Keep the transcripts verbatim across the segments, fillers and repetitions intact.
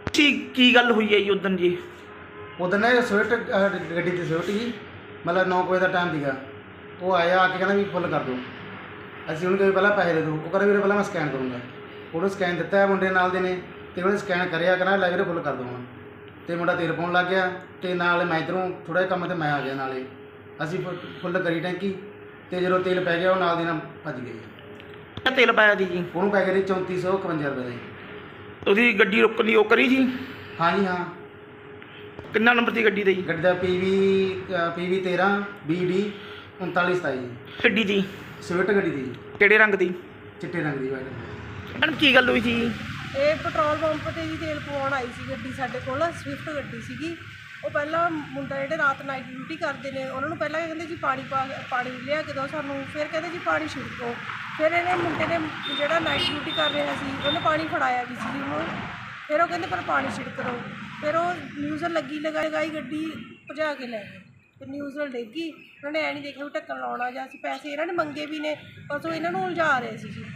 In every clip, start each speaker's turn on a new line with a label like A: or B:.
A: ਕੀ ਕੀ ਗੱਲ ਹੋਈ ਹੈ ਜੀ ਉਦੋਂ ਜੀ?
B: ਉਦੋਂ ਨਾ ਸਵਿਫਟ ਗੱਡੀ ਤੇ ਸਵਿਫਟ ਜੀ ਮਤਲਬ ਨੌ ਕੁ ਵਜੇ ਦਾ ਟਾਈਮ ਸੀਗਾ। ਉਹ ਆਇਆ ਆ ਕੇ ਕਹਿੰਦਾ ਵੀ ਫੁੱਲ ਕਰ ਦਿਓ। ਅਸੀਂ ਉਹਨੂੰ ਕਿਹਾ ਪਹਿਲਾਂ ਪੈਸੇ ਦੇ ਦਿਓ। ਉਹ ਕਹਿੰਦਾ ਵੀਰੇ ਪਹਿਲਾਂ ਮੈਂ ਸਕੈਨ ਕਰੂੰਗਾ। ਉਹਨੂੰ ਸਕੈਨ ਦਿੱਤਾ ਹੈ ਮੁੰਡੇ ਨਾਲ ਦੇ ਨੇ ਅਤੇ ਉਹਨੇ ਸਕੈਨ ਕਰਿਆ, ਕਹਿੰਦਾ ਲੈ ਵੀਰੇ ਫੁੱਲ ਕਰ ਦਿਓ ਹੁਣ। ਅਤੇ ਮੁੰਡਾ ਤੇਲ ਪਾਉਣ ਲੱਗ ਗਿਆ ਅਤੇ ਨਾਲ ਮੈਂ ਇੱਧਰੋਂ ਥੋੜ੍ਹਾ ਜਿਹਾ ਕੰਮ 'ਤੇ ਮੈਂ ਆ ਗਿਆ ਨਾਲੇ। ਅਸੀਂ ਫੁ ਫੁੱਲ ਕਰੀ ਟੈਂਕੀ ਅਤੇ ਜਦੋਂ ਤੇਲ ਪੈ ਗਿਆ ਉਹ ਨਾਲ ਦੀ ਨਾਲ ਭੱਜ ਗਏ।
A: ਕਿੰਨਾ ਤੇਲ ਪਾਇਆ ਸੀ ਜੀ?
B: ਉਹਨੂੰ ਪੈ ਗਿਆ ਜੀ ਚੌਂਤੀ ਸੌ ਇਕਵੰਜਾ ਰੁਪਏ ਦਾ ਜੀ।
A: ਤੁਸੀਂ ਗੱਡੀ ਰੋਕਣ ਦੀ ਉਹ ਕਰੀ ਜੀ?
B: ਹਾਂ ਜੀ ਹਾਂ।
A: ਕਿੰਨਾ ਨੰਬਰ ਦੀ ਗੱਡੀ ਦਾ ਜੀ?
B: ਗੱਡੀ ਦਾ ਪੀ ਵੀ ਪੀ ਵੀ ਤੇਰ੍ਹਾਂ ਬੀ ਡੀ ਉਨਤਾਲੀ ਸਤਾਈ ਜੀ।
A: ਗੱਡੀ ਦੀ
B: ਸਵਿਫਟ ਗੱਡੀ ਦੀ ਜੀ,
A: ਕਿਹੜੇ ਰੰਗ ਦੀ?
B: ਚਿੱਟੇ ਰੰਗ ਦੀ ਵਾਈਟ।
A: ਮੈਡਮ ਕੀ ਗੱਲ ਹੋਈ ਸੀ?
C: ਇਹ ਪੈਟਰੋਲ ਪੰਪ 'ਤੇ ਜੀ ਤੇਲ ਪਵਾਉਣ ਆਈ ਸੀ ਗੱਡੀ ਸਾਡੇ ਕੋਲ, ਸਵਿਫਟ ਗੱਡੀ ਸੀਗੀ। ਉਹ ਪਹਿਲਾਂ ਮੁੰਡਾ ਜਿਹੜੇ ਰਾਤ ਨਾਈਟ ਡਿਊਟੀ ਕਰਦੇ ਨੇ ਉਹਨਾਂ ਨੂੰ ਪਹਿਲਾਂ ਕਹਿੰਦੇ ਜੀ ਪਾਣੀ ਪਾ ਪਾਣੀ ਲਿਆ ਕੇ ਦਿਓ ਸਾਨੂੰ, ਫਿਰ ਕਹਿੰਦੇ ਜੀ ਪਾਣੀ ਛਿੜਕੋ। ਫਿਰ ਇਹਨੇ ਮੁੰਡੇ ਨੇ ਜਿਹੜਾ ਨਾਈਟ ਡਿਊਟੀ ਕਰ ਰਿਹਾ ਸੀ ਉਹਨੇ ਪਾਣੀ ਫੜਾਇਆ ਵੀ ਸੀ ਉਹਨੂੰ, ਫਿਰ ਉਹ ਕਹਿੰਦੇ ਪਰ ਪਾਣੀ ਛਿੜਕ ਦਿਓ। ਫਿਰ ਉਹ ਨਿਊਜ਼ਲ ਲੱਗੀ ਲਗਾ ਲਗਾਈ ਗੱਡੀ ਭਜਾ ਕੇ ਲੈ ਗਏ। ਫਿਰ ਨਿਊਜ਼ਲ ਡਿੱਗੀ, ਉਹਨਾਂ ਨੇ ਐ ਨਹੀਂ ਦੇਖਿਆ ਵੀ ਢੱਕਣ ਲਾਉਣਾ ਜਾਂ ਅਸੀਂ ਪੈਸੇ ਇਹਨਾਂ ਨੇ ਮੰਗੇ ਵੀ ਨੇ, ਬਸ ਉਹ ਇਹਨਾਂ ਨੂੰ ਉਲਝਾ ਰਹੇ ਸੀ ਜੀ।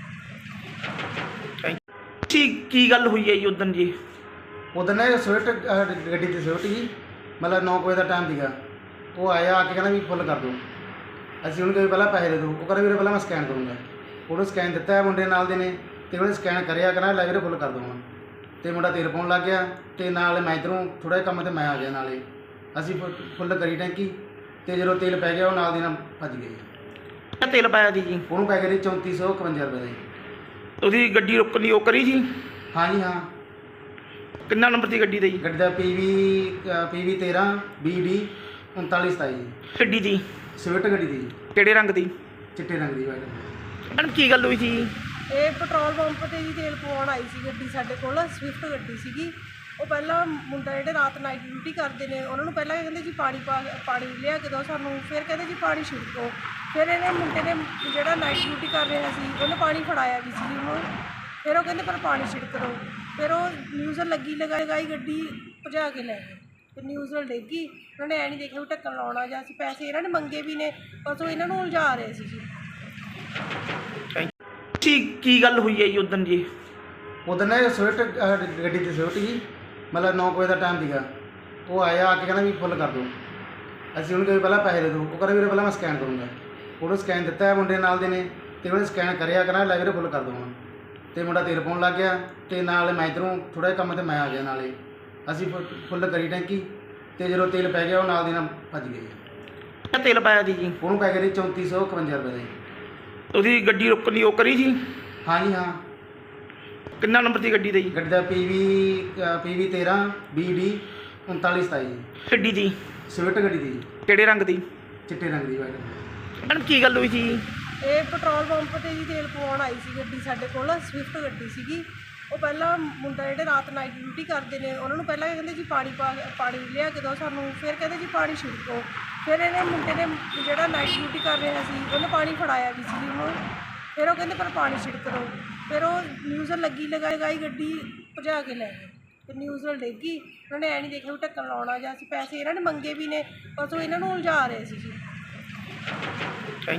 A: ਕੀ ਕੀ ਗੱਲ ਹੋਈ ਹੈ ਜੀ ਉਦੋਂ ਜੀ?
B: ਉਦੋਂ ਨਾ ਸਵਿਫਟ ਗੱਡੀ ਤੇ ਸਵਿਫਟ ਜੀ ਮਤਲਬ ਨੌ ਕੁ ਵਜੇ ਦਾ ਟਾਈਮ ਸੀਗਾ। ਉਹ ਆਇਆ ਆ ਕੇ ਕਹਿੰਦਾ ਵੀ ਫੁੱਲ ਕਰ ਦਿਓ। ਅਸੀਂ ਉਹਨੂੰ ਕਿਹਾ ਪਹਿਲਾਂ ਪੈਸੇ ਦੇ ਦਿਓ। ਉਹ ਕਹਿੰਦਾ ਵੀਰੇ ਪਹਿਲਾਂ ਮੈਂ ਸਕੈਨ ਕਰੂੰਗਾ। ਉਹਨੂੰ ਸਕੈਨ ਦਿੱਤਾ ਹੈ ਮੁੰਡੇ ਨਾਲ ਦੇ ਨੇ ਅਤੇ ਉਹਨੇ ਸਕੈਨ ਕਰਿਆ, ਕਹਿੰਦਾ ਲੈ ਵੀਰੇ ਫੁੱਲ ਕਰ ਦਿਓ ਹੁਣ। ਅਤੇ ਮੁੰਡਾ ਤੇਲ ਪਾਉਣ ਲੱਗ ਗਿਆ ਅਤੇ ਨਾਲ ਮੈਂ ਇੱਧਰੋਂ ਥੋੜ੍ਹਾ ਜਿਹਾ ਕੰਮ 'ਤੇ ਮੈਂ ਆ ਗਿਆ ਨਾਲੇ। ਅਸੀਂ ਫੁ ਫੁੱਲ ਕਰੀ ਟੈਂਕੀ ਅਤੇ ਜਦੋਂ ਤੇਲ ਪੈ ਗਿਆ ਉਹ ਨਾਲ ਦੀ ਨਾਲ ਭੱਜ ਗਏ।
A: ਕਿੰਨਾ ਤੇਲ ਪਾਇਆ ਸੀ ਜੀ?
B: ਉਹਨੂੰ ਪੈ ਗਿਆ ਜੀ ਚੌਂਤੀ ਸੌ ਇਕਵੰਜਾ ਰੁਪਏ ਦਾ ਜੀ।
A: ਤੁਸੀਂ ਗੱਡੀ ਰੋਕਣ ਦੀ ਉਹ ਕਰੀ ਜੀ?
B: ਹਾਂ ਜੀ ਹਾਂ।
A: ਕਿੰਨਾ ਨੰਬਰ ਦੀ ਗੱਡੀ ਦਾ ਜੀ?
B: ਗੱਡੀ ਦਾ ਪੀ ਵੀ ਪੀ ਵੀ ਤੇਰ੍ਹਾਂ ਬੀ ਡੀ ਉਨਤਾਲੀ ਸਤਾਈ ਜੀ।
A: ਗੱਡੀ ਦੀ
B: ਸਵਿਫਟ ਗੱਡੀ ਦੀ ਜੀ,
A: ਕਿਹੜੇ ਰੰਗ ਦੀ?
B: ਚਿੱਟੇ ਰੰਗ ਦੀ ਵਾਈਟ।
A: ਮੈਡਮ ਕੀ ਗੱਲ ਹੋਈ ਸੀ?
C: ਇਹ ਪੈਟਰੋਲ ਪੰਪ 'ਤੇ ਜੀ ਤੇਲ ਪਵਾਉਣ ਆਈ ਸੀ ਗੱਡੀ ਸਾਡੇ ਕੋਲ, ਸਵਿਫਟ ਗੱਡੀ ਸੀਗੀ। ਉਹ ਪਹਿਲਾਂ ਮੁੰਡਾ ਜਿਹੜੇ ਰਾਤ ਨਾਈਟ ਡਿਊਟੀ ਕਰਦੇ ਨੇ ਉਹਨਾਂ ਨੂੰ ਪਹਿਲਾਂ ਕਹਿੰਦੇ ਜੀ ਪਾਣੀ ਪਾ ਪਾਣੀ ਲਿਆ ਕੇ ਦਿਓ ਸਾਨੂੰ, ਫਿਰ ਕਹਿੰਦੇ ਜੀ ਪਾਣੀ ਛਿੜਕੋ। ਫਿਰ ਇਹਨੇ ਮੁੰਡੇ ਨੇ ਜਿਹੜਾ ਨਾਈਟ ਡਿਊਟੀ ਕਰ ਰਿਹਾ ਸੀ ਉਹਨੇ ਪਾਣੀ ਫੜਾਇਆ ਵੀ ਸੀ ਉਹਨੂੰ, ਫਿਰ ਉਹ ਕਹਿੰਦੇ ਪਰ ਪਾਣੀ ਛਿੜਕ ਦਿਓ। ਫਿਰ ਉਹ ਨਿਊਜ਼ਲ ਲੱਗੀ ਲਗਾ ਲਗਾਈ ਗੱਡੀ ਭਜਾ ਕੇ ਲੈ ਗਏ। ਫਿਰ ਨਿਊਜ਼ਲ ਡਿੱਗੀ, ਉਹਨਾਂ ਨੇ ਐ ਨਹੀਂ ਦੇਖਿਆ ਵੀ ਢੱਕਣ ਲਾਉਣਾ ਜਾਂ ਅਸੀਂ ਪੈਸੇ ਇਹਨਾਂ ਨੇ ਮੰਗੇ ਵੀ ਨੇ, ਬਸ ਉਹ ਇਹਨਾਂ ਨੂੰ ਉਲਝਾ ਰਹੇ ਸੀ ਜੀ।
A: ਕੀ ਕੀ ਗੱਲ ਹੋਈ ਹੈ ਜੀ ਉਦੋਂ ਜੀ?
B: ਉਦੋਂ ਨਾ ਸਵਿਫਟ ਗੱਡੀ ਤੇ ਸਵਿਫਟ ਜੀ ਮਤਲਬ ਨੌ ਕੁ ਵਜੇ ਦਾ ਟਾਈਮ ਸੀਗਾ। ਉਹ ਆਇਆ ਆ ਕੇ ਕਹਿੰਦਾ ਵੀ ਫੁੱਲ ਕਰ ਦਿਓ। ਅਸੀਂ ਉਹਨੂੰ ਕਿਹਾ ਪਹਿਲਾਂ ਪੈਸੇ ਦੇ ਦਿਓ। ਉਹ ਕਹਿੰਦਾ ਵੀਰੇ ਪਹਿਲਾਂ ਮੈਂ ਸਕੈਨ ਕਰੂੰਗਾ। ਉਹਨੂੰ ਸਕੈਨ ਦਿੱਤਾ ਹੈ ਮੁੰਡੇ ਨਾਲ ਦੇ ਨੇ ਅਤੇ ਉਹਨੇ ਸਕੈਨ ਕਰਿਆ, ਕਹਿੰਦਾ ਲੈ ਵੀਰੇ ਫੁੱਲ ਕਰ ਦਿਓ ਹੁਣ। ਅਤੇ ਮੁੰਡਾ ਤੇਲ ਪਾਉਣ ਲੱਗ ਗਿਆ ਅਤੇ ਨਾਲ ਮੈਂ ਇੱਧਰੋਂ ਥੋੜ੍ਹਾ ਜਿਹਾ ਕੰਮ 'ਤੇ ਮੈਂ ਆ ਗਿਆ ਨਾਲੇ। ਅਸੀਂ ਫੁ ਫੁੱਲ ਕਰੀ ਟੈਂਕੀ ਅਤੇ ਜਦੋਂ ਤੇਲ ਪੈ ਗਿਆ ਉਹ ਨਾਲ ਦੀ ਨਾਲ ਭੱਜ ਗਏ।
A: ਕਿੰਨਾ ਤੇਲ ਪਾਇਆ ਸੀ ਜੀ?
B: ਉਹਨੂੰ ਪੈ ਗਿਆ ਜੀ ਚੌਂਤੀ ਸੌ ਇਕਵੰਜਾ ਰੁਪਏ ਦਾ ਜੀ।
A: ਤੁਸੀਂ ਗੱਡੀ ਰੋਕਣ ਦੀ ਉਹ ਕਰੀ ਜੀ?
B: ਹਾਂ ਜੀ ਹਾਂ।
A: ਕਿੰਨਾ ਨੰਬਰ ਦੀ ਗੱਡੀ ਦਾ ਜੀ?
B: ਗੱਡੀ ਦਾ ਪੀ ਵੀ ਪੀ ਵੀ ਤੇਰ੍ਹਾਂ ਬੀ ਡੀ ਉਨਤਾਲੀ ਸਤਾਈ ਜੀ।
A: ਗੱਡੀ ਦੀ
B: ਸਵਿਫਟ ਗੱਡੀ ਦੀ ਜੀ,
A: ਕਿਹੜੇ ਰੰਗ ਦੀ?
B: ਚਿੱਟੇ ਰੰਗ ਦੀ ਵਾਈਟ।
A: ਮੈਡਮ ਕੀ ਗੱਲ ਹੋਈ ਸੀ?
C: ਇਹ ਪੈਟਰੋਲ ਪੰਪ 'ਤੇ ਜੀ ਤੇਲ ਪਵਾਉਣ ਆਈ ਸੀ ਗੱਡੀ ਸਾਡੇ ਕੋਲ, ਸਵਿਫਟ ਗੱਡੀ ਸੀਗੀ। ਉਹ ਪਹਿਲਾਂ ਮੁੰਡਾ ਜਿਹੜੇ ਰਾਤ ਨਾਈਟ ਡਿਊਟੀ ਕਰਦੇ ਨੇ ਉਹਨਾਂ ਨੂੰ ਪਹਿਲਾਂ ਕਹਿੰਦੇ ਜੀ ਪਾਣੀ ਪਾ ਪਾਣੀ ਲਿਆ ਕੇ ਦਿਓ ਸਾਨੂੰ, ਫਿਰ ਕਹਿੰਦੇ ਜੀ ਪਾਣੀ ਛਿੜਕੋ। ਫਿਰ ਇਹਨੇ ਮੁੰਡੇ ਨੇ ਜਿਹੜਾ ਨਾਈਟ ਡਿਊਟੀ ਕਰ ਰਿਹਾ ਸੀ ਉਹਨੇ ਪਾਣੀ ਫੜਾਇਆ ਵੀ ਸੀ ਉਹਨੂੰ, ਫਿਰ ਉਹ ਕਹਿੰਦੇ ਪਰ ਪਾਣੀ ਛਿੜਕ ਦਿਓ। ਫਿਰ ਉਹ ਨਿਊਜ਼ਲ ਲੱਗੀ ਲਗਾ ਲਗਾਈ ਗੱਡੀ ਭਜਾ ਕੇ ਲੈ ਗਏ। ਫਿਰ ਨਿਊਜ਼ਲ ਡਿੱਗੀ, ਉਹਨਾਂ ਨੇ ਐ ਨਹੀਂ ਦੇਖਿਆ ਵੀ ਢੱਕਣ ਲਾਉਣਾ ਜਾਂ ਅਸੀਂ ਪੈਸੇ ਇਹਨਾਂ ਨੇ ਮੰਗੇ ਵੀ ਨੇ, ਬਸ ਉਹ ਇਹਨਾਂ ਨੂੰ ਉਲਝਾ ਰਹੇ ਸੀ ਜੀ।